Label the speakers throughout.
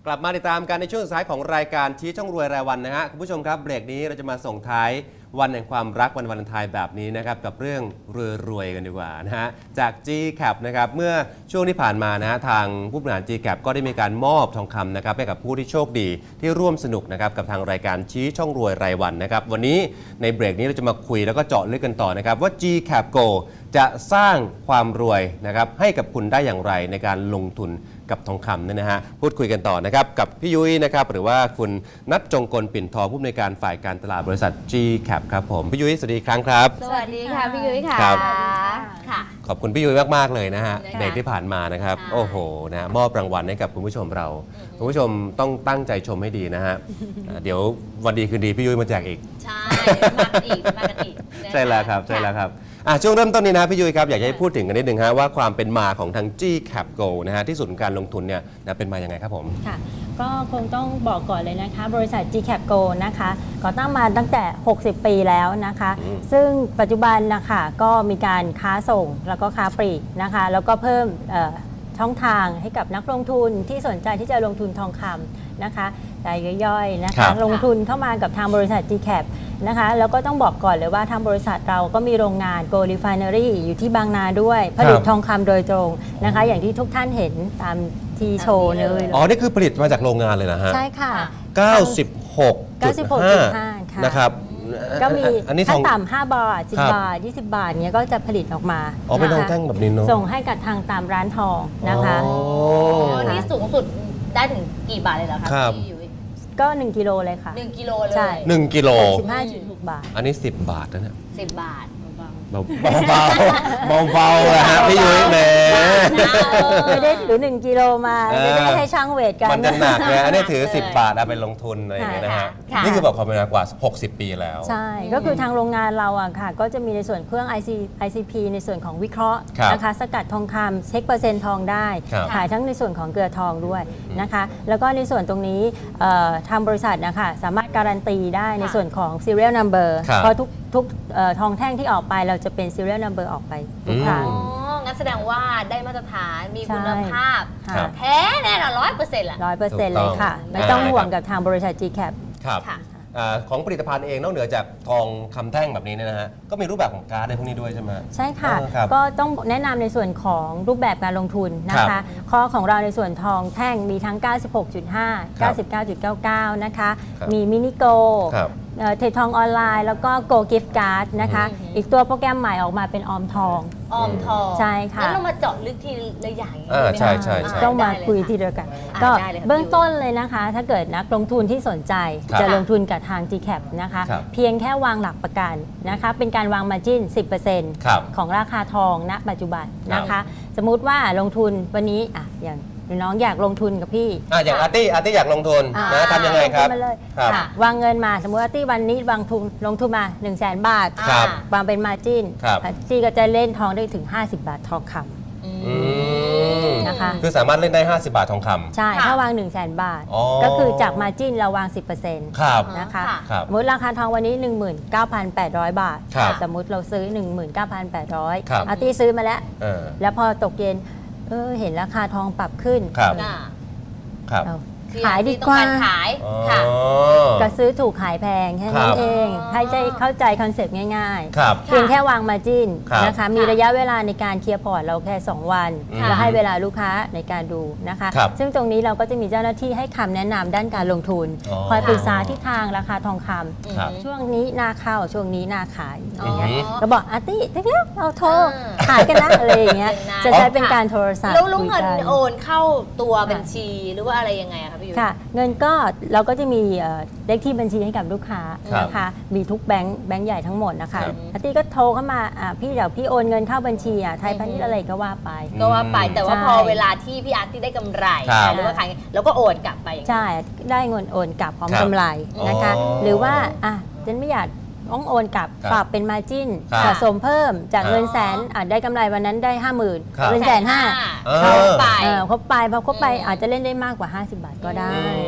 Speaker 1: กลับมาติดตามกันในช่วงสุดท้ายของรายการชี้ช่องรวยรายวันนะฮะคุณผู้ชมครับเบรกนี้เราจะมาส่งท้ายวันแห่งความรักวันวาเลนไทน์แบบนี้นะครับกับเรื่องรวยกันดีกว่านะฮะจาก GCAP นะครับเมื่อช่วงที่ผ่านมานะฮะทางผู้บริหาร GCAP ก็ได้มีการมอบทองคำนะครับให้กับผู้ที่โชคดีที่ร่วมสนุกนะครับกับทางรายการชี้ช่องรวยรายวันนะครับวันนี้ในเบรกนี้เราจะมาคุยแล้วก็เจาะลึกกันต่อนะครับว่า GCAP Go จะสร้างความรวยนะครับให้กับคุณได้อย่างไรในการลงทุนกับทองคำเนี่ยนะฮะพูดคุยกันต่อนะครับกับพี่ยุ้ยนะครับหรือว่าคุณณัฐ จงกลปิ่นทองผู้อำนวยการฝ่ายการตลาดบริษัท GCAP ครับผมพี่ยุ้ยสวัสดีอีกครั้งครับ
Speaker 2: สวัสดีค่ะพี่ยุ้ยค่ะ
Speaker 1: ครับ
Speaker 2: ค่ะ
Speaker 1: ขอบคุณพี่ยุ้ยมากๆเลยนะฮะ
Speaker 2: ค่ะ
Speaker 1: เบรกที่ผ่านมานะครับ
Speaker 2: ค่ะ
Speaker 1: โอ้โหนะมอบรางวัลให้กับคุณผู้ชมเราคุณผู้ชมต้องตั้งใจชมให้ดีนะฮะเดี๋ยววันดีคืนดีพี่ยุ้ยมาแจกอีก
Speaker 2: ใช่มากันอีกนะคะ
Speaker 1: ใช่แล้วครับใช่แล้วครับช่วงเริ่มต้นนี้นะพี่ยุ้ยครับอยากจะให้พูดถึงกันนิดนึงฮะว่าความเป็นมาของทาง GCAP Go นะฮะที่ศูนย์การลงทุนเนี่ยนะเป็นมาอย่างไงครับผม
Speaker 3: ค่ะก็คงต้องบอกก่อนเลยนะคะบริษัท GCAP Go นะคะก่อตั้งมาตั้งแต่ 60 ปีแล้วนะคะ ซึ่งปัจจุบันนะคะก็มีการค้าส่งแล้วก็ค้าปลีกนะคะแล้วก็เพิ่มช่องทางให้กับนักลงทุนที่สนใจที่จะลงทุนทองคำนะคะรายย่อยๆนะ
Speaker 1: ครั
Speaker 3: คะ
Speaker 1: บ
Speaker 3: ลงทุนเข้ามากับทางบริษัท GCAP นะคะแล้วก็ต้องบอกก่อนเลยว่าทางบริษัทเราก็มีโรงงาน Go Refinery อยู่ที่บางนาด้วยผลิตทองคำโดยตรงนะคะอย่างที่ทุกท่านเห็นตามทีโชว์เลย
Speaker 1: อ๋อนี่คือผลิตมาจากโรงงานเลยนะฮะ
Speaker 3: ใช่ค่ะ
Speaker 1: 96.5 นะครับ
Speaker 3: ก็มี
Speaker 1: อันนี้ท
Speaker 3: ขั้
Speaker 1: อน ง
Speaker 3: ต่ำ5 บาท
Speaker 1: ครับ
Speaker 3: 10 บาท 20 บาทเนี้ยก็จะผลิตออกมา
Speaker 1: อ๋อเป็นทอง
Speaker 3: ะคะ
Speaker 1: แท่งแบบนี้เนาะ
Speaker 3: ส่งให้กับทางตามร้านทองนะคะ
Speaker 1: โอ้
Speaker 2: นี่สูงสุดได้ถึงกี่บาทเลยเหรอคะ
Speaker 1: ครับ
Speaker 2: พี่ยุ้ย
Speaker 3: ก็ 1 กิโลเลยค่ะ
Speaker 2: 1 กิโลเลย
Speaker 3: ใช่
Speaker 1: 1 กิโล
Speaker 3: 15.6 บาท
Speaker 1: อันนี้ 10 บาทนะเนี่ย
Speaker 2: 10 บาท
Speaker 1: เบาๆเบาๆนะฮะพี่ยุ้ยแหม
Speaker 3: ไม่ได้หรือ 1 กิโลมา ไม่ได้ให้ช่างเวทกัน
Speaker 1: มันจะหนักเลยอันนี้ถือ 10 บาทเอาไปลงทุนอะไรอย่างเงี้ยนะฮะ
Speaker 3: ค่ะ
Speaker 1: นี่คือแบบความเป็นมากว่า 60 ปีแล้ว
Speaker 3: ใช่ ก็คือทางโรงงานเราอะค่ะ ก็จะมีในส่วนเครื่อง ICP ในส่วนของวิเคราะห์
Speaker 1: ครับ
Speaker 3: นะคะ สกัดทองคำเช็คเปอร์เซ็นต์ทองได้
Speaker 1: ครับ
Speaker 3: ขายทั้งในส่วนของเกลือทองด้วยนะคะ แล้วก็ในส่วนตรงนี้ทางบริษัทนะคะสามารถการันตีได้ในส่วนของ serial number
Speaker 1: ครับ
Speaker 3: เพราะทุกทองแท่งที่ออกไปเราจะเป็น serial number ออกไปทุกครั้ง
Speaker 2: อ๋อ งั้นแสดงว่าได้มาตรฐานมีคุณภาพ
Speaker 3: ค่ะ
Speaker 1: ครับ
Speaker 2: แท้แน่นอน100%แหละ
Speaker 3: 100%เลยค่ะ ไม่ต้องห่วงกับทางบริษัท GCAP
Speaker 1: ครับ
Speaker 2: ค่ะ
Speaker 1: ของผลิตภัณฑ์เองนอกเหนือจากทองคำแท่งแบบนี้เนี่ยนะฮะก็มีรูปแบบของการ์ดในพวกนี้ด้วยใช่ไหม
Speaker 3: ใช่ค่ะ
Speaker 1: ครับ
Speaker 3: ก็ต้องแนะนำในส่วนของรูปแบบการลงทุนนะ
Speaker 1: ครั
Speaker 3: คะ
Speaker 1: บ
Speaker 3: ข้อของเราในส่วนทองแท่งมีทั้ง 96.5
Speaker 1: ครับ
Speaker 3: 99.99 นะคะ
Speaker 1: ครับ
Speaker 3: มีมินิโก
Speaker 1: ครับ
Speaker 3: เทรดทองออนไลน์ แล้วก็ Go Gift Card นะคะ อีกตัวโปรแกรมใหม่ออกมาเป็นออมทอง
Speaker 2: ออมทอง
Speaker 3: ใช่ค่ะ
Speaker 2: งั้นเรามาเจาะลึกทีละอย่างอย่างนี้
Speaker 1: อ่า
Speaker 2: ได้ไหม
Speaker 1: ใช่
Speaker 2: คะ
Speaker 1: ใช่ใช่
Speaker 3: ต้องมา
Speaker 2: ได้เล
Speaker 3: คุย
Speaker 2: ค่ะ
Speaker 3: ทีเดียวกัน
Speaker 2: อ่า
Speaker 3: ก็
Speaker 2: ได้เลยค่ะ
Speaker 3: เบื้องต้นเลยนะคะ ถ้าเกิดนักลงทุนที่สนใจ
Speaker 1: ครับ
Speaker 3: จะลงทุนกับทาง GCAP นะคะ
Speaker 1: ครับ
Speaker 3: เพียงแค่วางหลักประกันนะคะ เป็นการวาง margin
Speaker 1: ครับ
Speaker 3: 10% ของราคาทองณปัจจุบันนะคะ สมมุติว่าลงทุนวันนี้อย่างน้องอยากลงทุนกับพี่
Speaker 1: อย่างอาร์ตี้อยากลงทุน
Speaker 3: อ่า
Speaker 1: นะทำยังไงครับ
Speaker 3: ลทุนมาเลย
Speaker 1: ครับ
Speaker 3: ค่ะวางเงินมาสมมติว่าที่วันนี้วางทุนลงทุนมา 100,000 บาท
Speaker 1: ครับ
Speaker 3: วางเป็น margin
Speaker 1: ครับ
Speaker 3: ที่ก็จะเล่นทองได้ถึง 50 บาททองค
Speaker 1: อืม
Speaker 3: นะคะ
Speaker 1: คือสามารถเล่นได้ 50 บาททองค
Speaker 3: ำใช่
Speaker 2: ค่ะ
Speaker 3: ถ้าวาง 100,000 บาท
Speaker 1: อ๋อ
Speaker 3: ก็คือจาก margin เราวาง 10%
Speaker 1: ำครับ
Speaker 3: นะคะ
Speaker 2: ค่ะ
Speaker 1: ครับ
Speaker 3: สมมติราคาทองวันนี้ 19,800 บาท
Speaker 1: ครับ
Speaker 3: สมมุติเราซื้อ 19,800
Speaker 1: ครับ
Speaker 3: อาร์ตี้ซื้อมาแล้ว
Speaker 1: เออ
Speaker 3: แล้วพอตกเย็นเห็นราคาทองปรับขึ้น
Speaker 1: ครับ
Speaker 2: น่ะ
Speaker 1: ครับ
Speaker 3: เอา
Speaker 2: คือ
Speaker 3: ขายดี
Speaker 2: ที่
Speaker 3: กว่า
Speaker 2: ต้องรขาย
Speaker 1: อ๋อ
Speaker 2: ค่ะ
Speaker 3: ก็ซื้อถูกขายแพงแค่นั้
Speaker 1: ครั
Speaker 3: น
Speaker 1: บ
Speaker 3: เอง
Speaker 2: อ๋อ
Speaker 3: ให้ใจเข้าใจคอนเซปต์ง่าย
Speaker 1: ครับ
Speaker 3: ๆ เพียงแค่วางมาจิ้น
Speaker 1: ครับ
Speaker 3: นะคะ มีระยะเวลาในการเคลียร์พอร์ตเราแค่ 2 วัน
Speaker 1: ค่ะ
Speaker 3: แล้วให้เวลาลูกค้าในการดูนะคะ
Speaker 1: ครับ
Speaker 3: ซึ่งตรงนี้เราก็จะมีเจ้าหน้าที่ให้คำแนะนำด้านการลงทุน
Speaker 1: อ๋อ
Speaker 3: คอยปรึกษาทิศทางราคาทองค
Speaker 1: ครับ
Speaker 3: ำช่วงนี้นาเข้าช่วงนี้นาขายอย่างเงี้ย
Speaker 1: อือฮึ
Speaker 3: เราบอกอาร์ตี้เร็วเราโทร
Speaker 2: อ่า
Speaker 3: ขายกันนะอะไรอย่างเงี้ย
Speaker 2: เป็นนะ
Speaker 3: จะใช้เป็นการโทรศัพท์
Speaker 2: แล้ว
Speaker 3: คุย
Speaker 2: เงิน
Speaker 3: กัน
Speaker 2: โอนเข้าตัวบัญชีหรือว่าอะไรยังไงอะคะพี่ยุ้ย
Speaker 3: ค่ะเงินก็เราก็จะมีเลขที่บัญชีให้กับลูกค้า
Speaker 1: ครับ
Speaker 3: นะคะมีทุกแบงค์ใหญ่ทั้งหมดนะคะ
Speaker 1: ครับ
Speaker 3: อาร์ตี้ก็โทรเข้ามาพี่เดี๋ยวพี่โอนเงินเข้าบัญชีไทยพาณิชย์อะไรก็ว่าไป
Speaker 2: ก็ว่าไปแต่ว่า
Speaker 3: ใช่
Speaker 2: พอเวลาที่พี่อาร์ตที่ได้กำไร
Speaker 1: ครับ
Speaker 2: หรือว่าขายเราก็โอนกลับไปอย่างนี้
Speaker 3: ใช่ได้เงินโอนกลับพร้อม
Speaker 1: ครับ
Speaker 3: กำไรนะคะ
Speaker 1: อ๋อ
Speaker 3: หรือว่าฉันไม่อยากต้องโอนกลับ
Speaker 1: ครับ
Speaker 3: ฝากเป็นมาจิ้น
Speaker 1: ครับ
Speaker 3: สะสมเพิ่มจาก
Speaker 1: ครับ
Speaker 3: เงินแสนได้กำไรวันนั้นได้ 50,000
Speaker 1: ครับ
Speaker 3: เป็น150,000
Speaker 1: เออ
Speaker 2: เข้าไป
Speaker 3: ครบไปพอครบไปอาจจะเล่นได้มากกว่า 50 บาทก็ได้
Speaker 1: น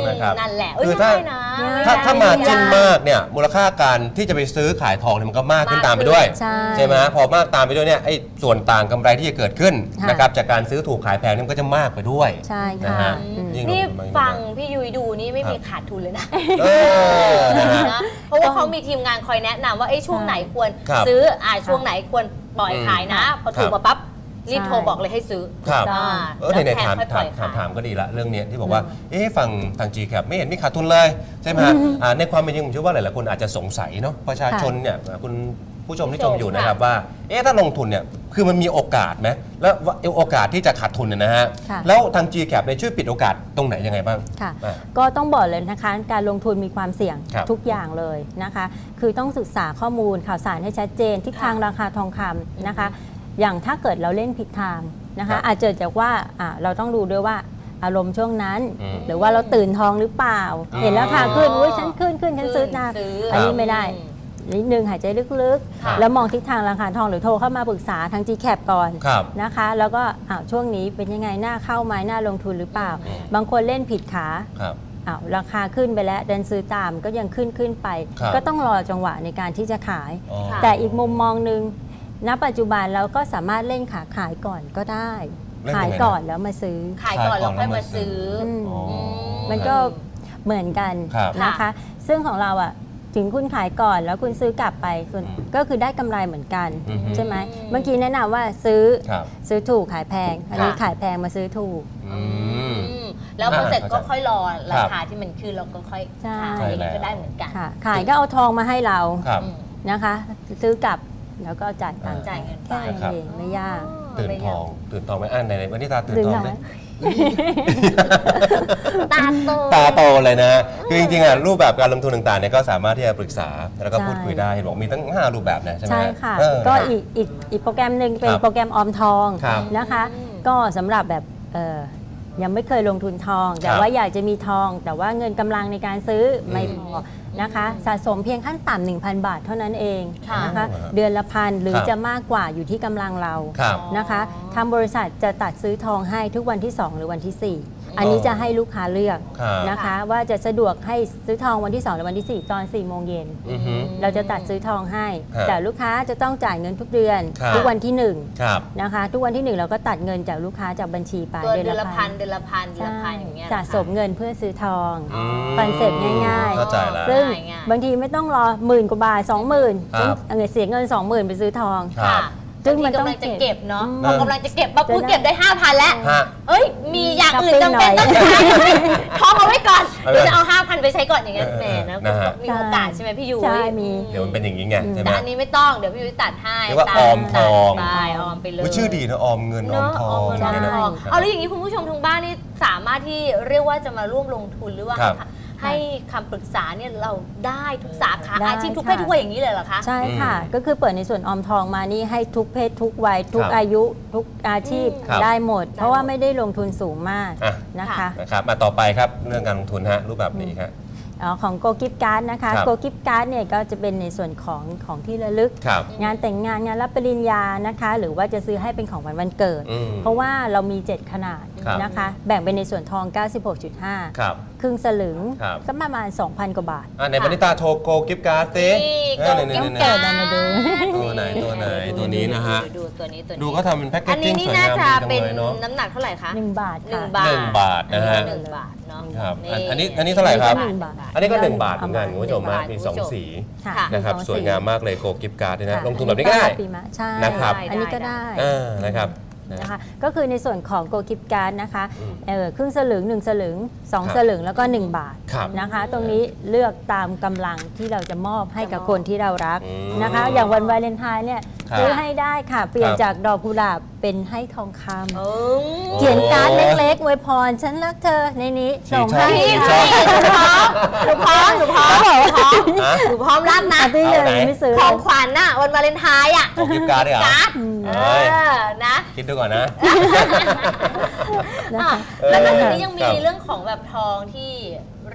Speaker 1: นะครับ
Speaker 2: นั่นแหละ
Speaker 1: คือ
Speaker 2: ไม่ได้นะ
Speaker 1: ถ้า
Speaker 2: ไได้
Speaker 1: มาจิ้นมากเนี่ยมูลค่าการที่จะไปซื้อขายทองเนี่ยมันก็มากขึ้นตามไปด้วย
Speaker 3: ใช่
Speaker 1: ไหมพอมากตามไปด้วยเนี่ยไอ้ส่วนต่างกำไรที่จะเกิดขึ้น
Speaker 3: ค่ะ
Speaker 1: นะครับจากการซื้อถูกขายแพงเนี่ยมันก็จะมากไปด้วย
Speaker 3: ใช่
Speaker 1: นะ
Speaker 3: ค่ะ
Speaker 1: ฮะ ยิ่ง
Speaker 2: นี่
Speaker 1: ลงทุน
Speaker 2: ฟังพี่ยุ้ยดูนี่ไม่มีขาดทุนเลยนะ
Speaker 1: เออนะฮะ
Speaker 2: นะเพราะว่าเขามีทีมงานคอยแนะนำว่าช่วงไหนควร
Speaker 1: ครับ
Speaker 2: ซื้อช่วงไหนควรปล่อยขายนะ พอถูกมาปั๊บรีบ
Speaker 3: ใช่
Speaker 2: โทรบอกเลยให้ซื้อ
Speaker 1: ครับ
Speaker 2: อ่า
Speaker 1: ใน
Speaker 2: แล้วแพง
Speaker 1: ถาม
Speaker 2: ค่อยปล่อยขาย
Speaker 1: ถามก็ดีละเรื่องเนี้ยที่บอกว่าฟังทาง G-Cap ไม่เห็นมีขาดทุนเลยใช่ไหมฮะในความเป็นจริงผมเชื่อว่าหลายๆคนอาจจะสงสัยเนาะประชาชนเนี่ยคุณผู้ชมที่ชมอยู่นะครับว่าถ้าลงทุนเนี่ยคือมันมีโอกาสไหมแล้วโอกาสที่จะขาดทุนเนี่ยนะฮะ
Speaker 3: ค่ะ
Speaker 1: แล้วทาง G-Cap เนี่ยช่วยปิดโอกาสตรงไหนยังไงบ้าง
Speaker 3: ค่ะ
Speaker 1: อ่า
Speaker 3: ก็ต้องบอกเลยนะคะการลงทุนมีความเสี่ยง
Speaker 1: ครับ
Speaker 3: ทุกอย่างเลยนะคะ คือต้องศึกษาข้อมูลข่าวสารให้ชัดเจนทิศทางราคาทองคำนะคะ อย่างถ้าเกิดเราเล่นผิดทางนะ
Speaker 1: ครั
Speaker 3: คะ
Speaker 1: บ
Speaker 3: อาจจะจากว่าเราต้องดูด้วยว่าอารมณ์ช่วงนั้น
Speaker 1: อืม
Speaker 3: หรือว่าเราตื่นทองหรือเปล่า
Speaker 1: อืม
Speaker 3: เห็นราคาขึ้นอุ้ยฉันขึ้นฉันซื้อนะ
Speaker 2: ซื้อ
Speaker 3: อันนี้ไม่ได้นิดนึงหายใจลึก
Speaker 2: ค่ะ
Speaker 3: ๆ แล้วมองทิศทางราคาทองหรือโทรเข้ามาปรึกษาทาง GCAP ก่อน
Speaker 1: ครับ
Speaker 3: นะคะ แล้วก็ช่วงนี้เป็นยังไงน่าเข้าไหมน่าลงทุนหรือเปล่า
Speaker 1: อืม
Speaker 3: บางคนเล่นผิดขา
Speaker 1: ครับ
Speaker 3: ราคาขึ้นไปแล้วเดินซื้อตามก็ยังขึ้นไป
Speaker 1: ครับ
Speaker 3: ก็ต้องรอจังหวะในการที่จะขาย
Speaker 1: อ๋อ
Speaker 2: ค่ะ
Speaker 3: แต่อีกมุมมองหนึ่งณปัจจุบันเราก็สามารถเล่นขาขายก่อนก็ได้
Speaker 1: เล่น
Speaker 3: ขา
Speaker 1: ยั
Speaker 3: ย
Speaker 1: งไงนะ
Speaker 3: ก่อนแล้วมาซื้อ
Speaker 2: ขายก่อนแล้วค่อยมาซื้อ
Speaker 3: อืม
Speaker 1: อ๋อ
Speaker 3: มันก็เหมือนกัน
Speaker 1: ครับ
Speaker 3: นะคะ ซึ่งของเราถึงคุณขายก่อนแล้วคุณซื้อกลับไปส่วน
Speaker 1: อืม
Speaker 3: ก็คือได้กำไรเหมือนกัน
Speaker 1: อือฮึ
Speaker 3: ใช่ไหมเมื่อกี้แนะนำว่าซื้อ
Speaker 1: ครับ
Speaker 3: ซื้อถูกขายแพง อันนี้
Speaker 2: ค่ะ
Speaker 3: ขายแพงมาซื้อถูก
Speaker 1: อืม
Speaker 2: แล้วพอเสร็จก็ค่อยรอรา
Speaker 1: ครับ
Speaker 2: คาที่มันขึ้นเราก็ค่อย
Speaker 3: ใช่
Speaker 2: ขายอย่างนี้ก็ได้เหมือนกัน
Speaker 3: ค่ะ ขายก็เอาทองมาให้เรา
Speaker 1: ครับ
Speaker 2: อืม
Speaker 3: นะคะ ซื้อกลับแล้วก็จ่ายตังค์
Speaker 2: จ่ายเงินไป
Speaker 3: แค่นั้นเองไม่ยาก
Speaker 1: ตื่นทองไหมไหนวันนี้ตาตื่น
Speaker 3: ดื่ม
Speaker 1: ทอง
Speaker 3: ห
Speaker 1: ไห
Speaker 3: น่
Speaker 1: ม
Speaker 3: อย
Speaker 2: ตาโต
Speaker 1: ตาโตเลยนะคือจริงๆรูปแบบการลงทุนต่างๆเนี่ยก็สามารถที่จะปรึกษาแล้วก็
Speaker 3: ใช่
Speaker 1: พูดคุยได้เห็นบอกมีตั้ง5รูปแบบนะใช่ไหม
Speaker 3: ใช่ค่ะ
Speaker 1: เออ
Speaker 3: ก็อีกโปรแกรมหนึ่งเป็น
Speaker 1: ครับ
Speaker 3: โปรแกรมออมทอง
Speaker 1: ครับ
Speaker 3: นะคะ ก็สำหรับแบบยังไม่เคยลงทุนทอง แต่
Speaker 1: ครับ
Speaker 3: ว่าอยากจะมีทอง แต่ว่าเงินกำลังในการซื้อไม่พอนะคะ สะสมเพียงขั้นต่ำ 1,000 บาทเท่านั้นเอง
Speaker 2: ค่ะ
Speaker 3: นะคะ
Speaker 1: โอ้โห
Speaker 3: เดือนละพันหรือ
Speaker 1: ครับ
Speaker 3: จะมากกว่าอยู่ที่กำลังเรา
Speaker 1: ครับ
Speaker 3: นะคะทางบริษัทจะตัดซื้อทองให้ทุกวันที่ 2 หรือวันที่ 4 อันนี้จะให้ลูกค้าเลือก
Speaker 1: ครับ
Speaker 3: นะคะ ว่าจะสะดวกให้ซื้อทองวันที่ 2 หรือวันที่ 4 ตอน 4 โมงเย็น
Speaker 1: อือฮึ
Speaker 3: เราจะตัดซื้อทองให้
Speaker 1: ครับ
Speaker 3: แต่ลูกค้าจะต้องจ่ายเงินทุกเดือน
Speaker 1: ครับ
Speaker 3: ทุกวันที่
Speaker 1: ครับ
Speaker 3: 1นะคะทุกวันที่ 1 เราก็ตัดเงินจากลูกค้าจากบัญชีไป
Speaker 2: ตัวเดือนละพันเดือนละพันเดือน
Speaker 3: ใช่
Speaker 2: ละพันอย่างเงี้ย
Speaker 3: สะสมเงินเพื่อซื้อทอง
Speaker 1: อืม
Speaker 3: คอนเซ็ปต์ง่าย
Speaker 1: เข้าใจแล้ว
Speaker 3: ซึ่ง
Speaker 2: ง่าย
Speaker 3: บางทีไม่ต้องรอ10,000 กว่าบาท 20,000
Speaker 1: ครับ
Speaker 3: เสียเงิน 20,000 ไปซื้อทอง
Speaker 1: ครับ
Speaker 3: ซึ่งมัน
Speaker 2: บา
Speaker 3: ต้อง
Speaker 2: ทีกำลังจะเก็บเนาะ
Speaker 3: อืม
Speaker 2: พอกำลังจะเก็บปั๊บ
Speaker 3: จะ
Speaker 2: พูด
Speaker 3: ได้
Speaker 2: เก็บได้ 5,000 แล้ว
Speaker 1: ฮะ
Speaker 2: เอ้ย มีอย่างอื่น
Speaker 3: ช้อ
Speaker 2: จำ
Speaker 3: ปปิ้
Speaker 2: เป็น
Speaker 3: งหน่
Speaker 2: ต้
Speaker 3: อ
Speaker 2: อย งใช้ท้องเอาไว้ก่อน
Speaker 1: เอาไว้
Speaker 2: เดี๋ยวจะเอา 5,000 ไปใช้ก่อนอย่างเงี้ย
Speaker 1: เออ
Speaker 2: แหมนะ
Speaker 1: นะฮะ
Speaker 2: มีโอกาสใช่ไหมพี่ยุ้ย
Speaker 3: ใช่มี
Speaker 1: เดี๋ยวมันเป็นอย่างนี้ไงใช่ไหม
Speaker 2: แต่อันนี้ไม่ต้องเดี๋ยวพี่ยุ้ยตัดให้
Speaker 1: เรียกว่า
Speaker 2: ตัด
Speaker 1: ออมทอง
Speaker 2: ตัดไปออมไปเลย
Speaker 1: ชื่อดีนะออมเงินออ
Speaker 2: เนาะ
Speaker 1: มทอ
Speaker 2: ออม
Speaker 1: ง
Speaker 2: เงินออม
Speaker 1: เนี่ยนะ
Speaker 2: ทอง
Speaker 1: ครับ
Speaker 2: เอาแล้วอย่างนี้คุณผู้ชมทางบ้านนี่สามารถที่เรียกว่าจะมาร่วมลงทุนหรือว่า
Speaker 1: ครับ
Speaker 2: ให้คำปรึกษาเนี่ยเราได้ทุกสาขา
Speaker 3: ได้
Speaker 2: อาชีพทุกเพศ
Speaker 3: ค่ะ
Speaker 2: ทุกวัยอย่างนี้เลยเหรอคะ
Speaker 3: ใช่ค่ะ ก็คือเปิดในส่วนออมทองมานี่ให้ทุกเพศทุกวัย ทุก
Speaker 1: ครับ
Speaker 3: อายุ ทุกอาชีพ
Speaker 1: ครับ
Speaker 3: ได้หมด เพราะว่าไม่ได้ลงทุนสูงมาก
Speaker 1: อ่ะ
Speaker 3: นะคะ
Speaker 1: นะครับมาต่อไปครับเรื่องการลงทุนฮะรูปแบบนี้ครับ
Speaker 3: ของโกกิฟการ์ดนะคะ
Speaker 1: ครับ
Speaker 3: โกกิฟการ์ดเนี่ยก็จะเป็นในส่วนของที่ระลึก
Speaker 1: ครับ
Speaker 3: งานแต่งงานงานรับปริญญานะคะ หรือว่าจะซื้อให้เป็นของวันเกิด
Speaker 1: อืม
Speaker 3: เพราะว่าเรามี 7 ขนาด
Speaker 1: ครับ
Speaker 3: นะคะ แบ่งเป็นในส่วนทอง 96.5
Speaker 1: ครับ
Speaker 3: ครึ่งสลึง
Speaker 1: ครับ
Speaker 3: ก็ประมาณ 2,000 กว่าบาท
Speaker 1: ในบรรณิตาโชว์โกกิฟต์การ์ดสิ
Speaker 2: นี่
Speaker 1: เออ
Speaker 2: โก
Speaker 1: นี่
Speaker 2: กิฟต์
Speaker 1: ๆๆ
Speaker 2: การ์ด
Speaker 3: เปิดเอามาดู
Speaker 1: ตัวไหนตัวนี้นะฮะ
Speaker 2: ดูตัวนี้
Speaker 1: ดูก็ทำเป็นแพ็กเก
Speaker 2: อั
Speaker 1: จ
Speaker 2: นนี้
Speaker 1: จิ้ง
Speaker 2: นี่
Speaker 1: สวย
Speaker 2: น่าง
Speaker 1: าม
Speaker 2: จะ
Speaker 1: ดีจัง
Speaker 2: เป็น
Speaker 1: เลยเนาะ
Speaker 2: น้ำหนักเท่าไหร่คะ
Speaker 3: 1 บาท
Speaker 2: หนึ่
Speaker 3: ค่ะ
Speaker 2: งบาท
Speaker 1: 1 บาทนะฮะ
Speaker 2: 1 บาทเนาะ
Speaker 1: ครับ
Speaker 2: นี่
Speaker 1: อันนี้เท่าไหร่ครับ
Speaker 3: หนึ่งบาท
Speaker 1: อันนี้ก็ 1 บาทเหมือนกันคุณผู้ชม
Speaker 2: 1
Speaker 1: ฮะ
Speaker 2: บาท
Speaker 1: มี
Speaker 2: คุณผู้ชม
Speaker 1: 2 สี
Speaker 3: ค่ะ
Speaker 2: ค่ะ
Speaker 1: นะครับ
Speaker 3: มี
Speaker 1: สวยงามมากเลยโกกิฟต์การ์ดเนี่ยนะ
Speaker 3: ค่ะ
Speaker 1: ลงทุนแบบนี้ง่าย
Speaker 3: ปีมะใช่
Speaker 1: นะครับ
Speaker 3: อันนี้ก็ได้
Speaker 1: นะครับ
Speaker 3: นะคะก็คือในส่วนของโกกิฟการ์ดนะคะ
Speaker 1: อืม
Speaker 3: ครึ่งสลึง1 สลึง
Speaker 1: ครับ
Speaker 3: 2 สลึงแล้วก็ 1 บาท
Speaker 1: ครับ
Speaker 3: นะคะ ตรงนี้เลือกตามกำลังที่เราจะมอบให้กับคนที่เรารัก
Speaker 1: อืม
Speaker 3: นะคะ อย่างวันวาเลนไทน์เนี่ย
Speaker 1: ครับ
Speaker 3: ซื้อให้ได้ค่ะ เปลี่ยน
Speaker 1: ครับ
Speaker 3: จากดอกกุหลาบเป็นให้ทองคำ
Speaker 2: เออ
Speaker 3: เขียนการ์ดเล็กๆอวยพรฉันรักเธอในนี้ส่งให้
Speaker 1: พี่
Speaker 2: พี่ หนูพร้อมหนูพร้อมหนูพร้อมรับนะ
Speaker 3: อ่ะพี่เลย
Speaker 1: เอาไหน
Speaker 3: ไม่ซื้อ
Speaker 2: ของขวัญน่ะวันวาเลนไทน์อ่ะ
Speaker 1: โกกิฟต์การ์ดด้วยเหรอ
Speaker 2: การ์ด
Speaker 1: เอ
Speaker 2: เอ้
Speaker 1: ย
Speaker 2: อนะ
Speaker 1: คิดดูก่อนนะ
Speaker 3: นะคะ
Speaker 2: แล้วนอกจากนี้ยังมี
Speaker 1: ครับ
Speaker 2: เรื่องของแบบทองที่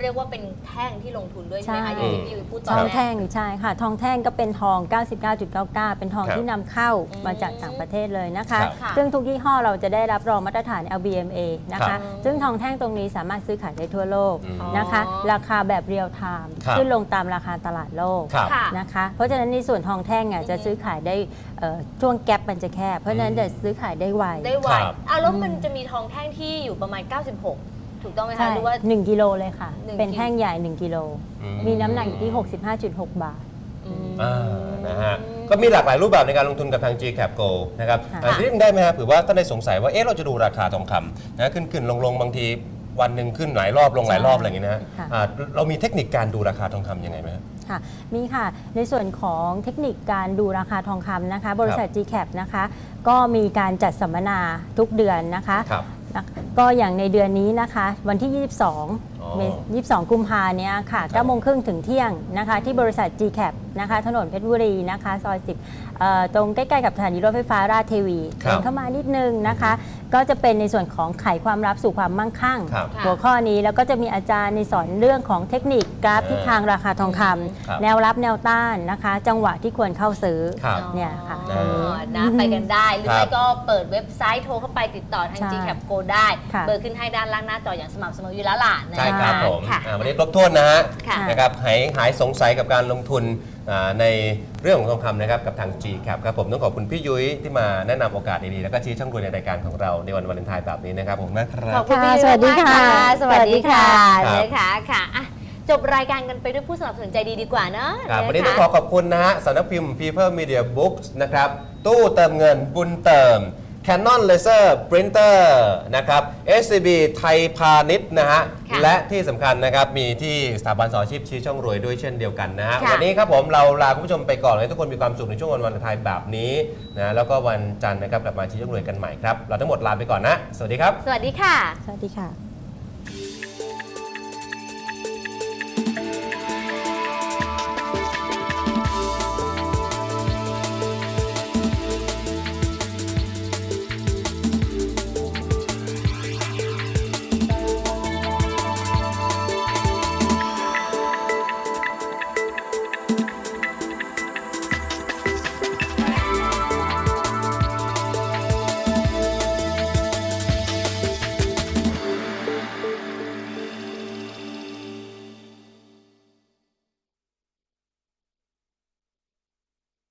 Speaker 2: เรียกว่าเป็นแท่งที่ลงทุนด้วยใช่ไหมคะ
Speaker 3: ใช่
Speaker 2: อย่างที่พี่ยุ้ยพูดต
Speaker 3: ท
Speaker 2: อน
Speaker 3: อง
Speaker 2: แร
Speaker 3: แท่
Speaker 2: ก
Speaker 3: งใช่ค่ะ ทองแท่งก็เป็นทอง 99.99 เป็นทอง
Speaker 1: ครับ
Speaker 3: ที่นำเข้า
Speaker 2: อืม
Speaker 3: มาจากต่างประเทศเลยนะคะ
Speaker 1: ครับ
Speaker 2: ค่ะ
Speaker 3: ซึ่งทุกยี่ห้อเราจะได้รับรองมาตรฐาน LBMA นะ
Speaker 1: ครั
Speaker 3: คะ
Speaker 1: บ
Speaker 3: ซึ่งทองแท่งตรงนี้สามารถซื้อขายได้ทั่วโลก
Speaker 1: อืม
Speaker 3: นะคะ ราคาแบบเรียลไทม์
Speaker 1: ครับ
Speaker 3: ขึ้นลงตามราคาตลาดโลก
Speaker 1: ครับ
Speaker 2: ค่ะ
Speaker 3: นะคะ เพราะฉะนั้นในส่วนทองแท่งจะซื้อขายได้ช่วงแกลบมันจะแคบ เพราะฉะนั้นจะซื้อขายได้ไว
Speaker 2: ได้ไว
Speaker 1: ครับ
Speaker 2: แล้วมันจะมีทองแท่งที่อยู่ประมาณ 96 ถูกต้องไหม
Speaker 3: ใช่
Speaker 2: คะหรือว่า
Speaker 3: 1กิโลเลยค่ะ
Speaker 2: 1
Speaker 3: เป็นแท่งใหญ่ 1กิโล
Speaker 1: อืม
Speaker 3: มีน้ำหนักอยู่ที่ 65.6 บาท
Speaker 1: นะฮะก็มีหลากหลายรูปแบบในการลงทุนกับทาง GCAP Go นะครับ
Speaker 3: ค่ะ
Speaker 1: ทีนี้ได้ไหมครับเผื่อว่าท่านได้สงสัยว่าเอ๊ะเราจะดูราคาทองคำนะขึ้นลงบางทีวันหนึ่งขึ้นหลายรอบลงหลายรอบอะไรอย่างเงี้ยนะฮะ
Speaker 3: ค่ะ
Speaker 1: เรามีเทคนิคการดูราคาทองคำยังไงไหมครับ
Speaker 3: ค่ะมีค่ะในส่วนของเทคนิคการดูราคาทองคำนะคะ บริษัท GCAP นะคะก็มีการจัดสัมมนาทุกเดือนนะคะ
Speaker 1: ครับ
Speaker 3: ก็อย่างในเดือนนี้นะคะวันที่
Speaker 1: อ๋อ
Speaker 3: 22 กุมภาเนี่ยค่ะ9โมงครึ่งถึงเที่ยงนะคะที่บริษัท GCAP นะคะถนนเพชรบุรีนะคะซอย 10ตรงใกล้ๆกับสถานีรถไฟฟ้าราชเทวี
Speaker 1: ครับ
Speaker 3: เดินเข้ามานิดนึงนะคะ ก็จะเป็นในส่วนของไขความลับสู่ความมั่งคั่ง
Speaker 1: ครับ
Speaker 3: หัวข้อนี้แล้วก็จะมีอาจารย์ในสอนเรื่องของเทคนิคกราฟทิศทางราคาทองค
Speaker 1: ครับ
Speaker 3: ำแนวรับแนวต้านนะคะ จังหวะที่ควรเข้าซื้อ
Speaker 1: ครับ
Speaker 3: เนี่ยค่ะ
Speaker 1: อ๋
Speaker 2: นะไปกันได้ หรือ
Speaker 1: ครั
Speaker 2: ไม่
Speaker 1: บ
Speaker 2: ก็เปิดเว็บไซต์โทรเข้าไปติดต่อทาง
Speaker 3: ใช่
Speaker 2: GCAP Go ได้
Speaker 3: ค่ะ
Speaker 2: เบอร์ขึ้นให้ด้านล่างหน้าจออย่างสม่ำเสมออยู่แล้วล่ะนะ
Speaker 1: ใช่ครับผม
Speaker 2: ค่ะ
Speaker 1: วันนี้ครบถ้วนนะฮะ
Speaker 2: ค่ะ
Speaker 1: นะครับหายสงสัยกับการลงทุนในเรื่องของทองคำนะครับกับทาง GCAP ครับผมต้องขอบคุณพี่ยุ้ยที่มาแนะนำโอกาสดีๆแล้วก็ชี้ช่องรวยในรายการของเราในวันวาเลนไทน์แบบนี้นะครับผมนะครั
Speaker 2: ข
Speaker 1: บ
Speaker 2: อบคุณพี่
Speaker 3: สวัสดี
Speaker 2: มาก
Speaker 3: ค่ะ
Speaker 2: สวัสดีค่ะ
Speaker 1: ครับ
Speaker 2: นะคะค่ะอ่ะ จบรายการกันไปด้วยผู้สนับสนุนใจดีดีกว่าเนอะ
Speaker 1: ครับวันนี้
Speaker 2: ะ
Speaker 1: ต้อง
Speaker 2: คะ
Speaker 1: ขอบคุณนะฮะสำนักพิมพ์ People Media Books นะครับ ตู้เติมเงินบุญเติม Canon Laser Printer นะครับ SCB ไทยพาณิชย์นะฮะ
Speaker 2: ค่ะ
Speaker 1: และที่สำคัญนะครับ มีที่สถาบันสอนอาชีพชี้ช่องรวยด้วยเช่นเดียวกันนะฮะ
Speaker 2: ค่ะ
Speaker 1: วันนี้ครับผมเราลาคุณผู้ชมไปก่อนเลยทุกคนมีความสุขในช่วงวันวาเลนไทน์แบบนี้นะแล้วก็วันจันทร์นะครับกลับมาชี้ช่องรวยกันใหม่ครับ เราทั้งหมดลาไปก่อนนะ สวัสดีครับ
Speaker 2: สวัสดีค่ะ
Speaker 3: สวัสดีค่ะ